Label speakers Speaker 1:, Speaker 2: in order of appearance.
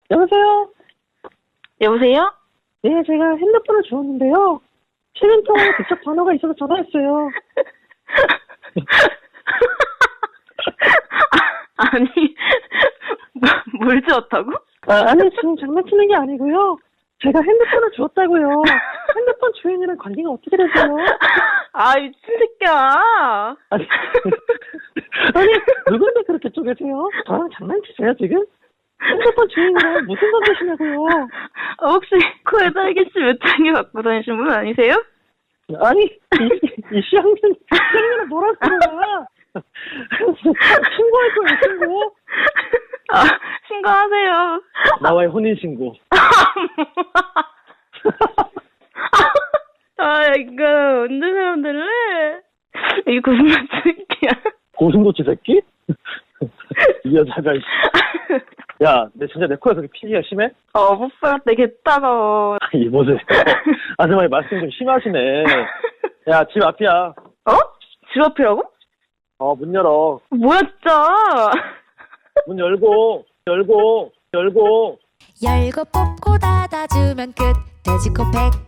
Speaker 1: 여보세요?
Speaker 2: 여보세요?
Speaker 1: 네, 제가 핸드폰을 주웠는데요. 실행통화에 직접 번호가 있어서 전화했어요.
Speaker 2: 아니, 뭘 주었다고?
Speaker 1: 아니, 지금 장난치는 게 아니고요. 제가 핸드폰을 주웠다고요. 핸드폰 주인이랑 관계가 어떻게 되세요?
Speaker 2: 아, 미친 새끼야.
Speaker 1: 아니, 아니, 누군데 그렇게 쪼개세요? 저랑 장난치세요, 지금? 핸드폰 주인이랑 무슨 관계시냐고요?
Speaker 2: 혹시 코에 딸기씨 몇 장에 갖고 다니신 분 아니세요?
Speaker 1: 아니, 이 시학년은 뭐라고 그러냐? 신고할 거예요, 신고.
Speaker 2: 아, 신고하세요.
Speaker 1: 나와의 혼인신고.
Speaker 2: 아, 이거 언제 사람 될래? 이 고슴도치 새끼야.
Speaker 1: 고슴도치 새끼? 이 여자가, 야, 내 진짜 내 코에서 피기가 심해?
Speaker 2: 뽀뽀할 때 개따가워.
Speaker 1: 이보세요. 아줌마의 말씀 좀 심하시네. 야, 집 앞이야.
Speaker 2: 어? 집 앞이라고?
Speaker 1: 문 열어.
Speaker 2: 뭐야, 진짜.
Speaker 1: 문 열고.
Speaker 3: 열고 뽑고 닫아주면 끝. 돼지코 100